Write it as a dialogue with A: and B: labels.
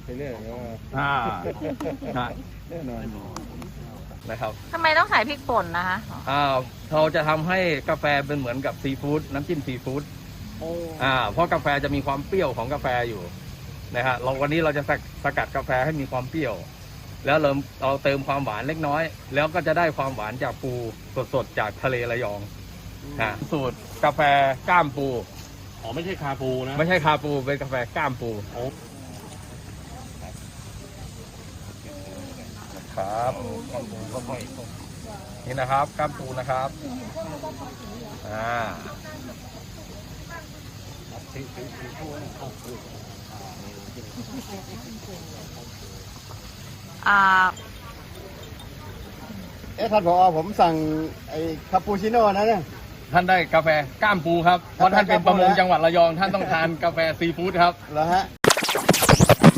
A: ไปเรื่อยว่า แน่นอน
B: นะครับ
C: ทำไมต้องใส่พริกป่นนะคะ
B: เราจะทำให้กาแฟเป็นเหมือนกับซีฟู้ดน้ำจิ้มซีฟู้ดเพราะกาแฟจะมีความเปรี้ยวของกาแฟอยู่นะฮะวันนี้เราจะสกัดกาแฟให้มีความเปรี้ยว แล้วเราเติมความหวานเล็กน้อย แล้วก็จะได้ความหวานจากปูสดๆจากทะเลระยองสูตรกาแฟก้ามปู
D: อ๋อไม่ใช่คาปูนะ
B: ไม่ใช่คาปูเป็นกาแฟก้ามปูครับนี่นะครับก้ามปูนะครับ
A: ท่านผอผมสั่งไอ้คาปูชิโน่นะเนี่ย
B: ท่านได้กาแฟก้ามปูครับเพราะท่านเป็นประมงจังหวัดระยองท่านต้องทานกาแฟซีฟู้ดครับ
A: เหรอฮะ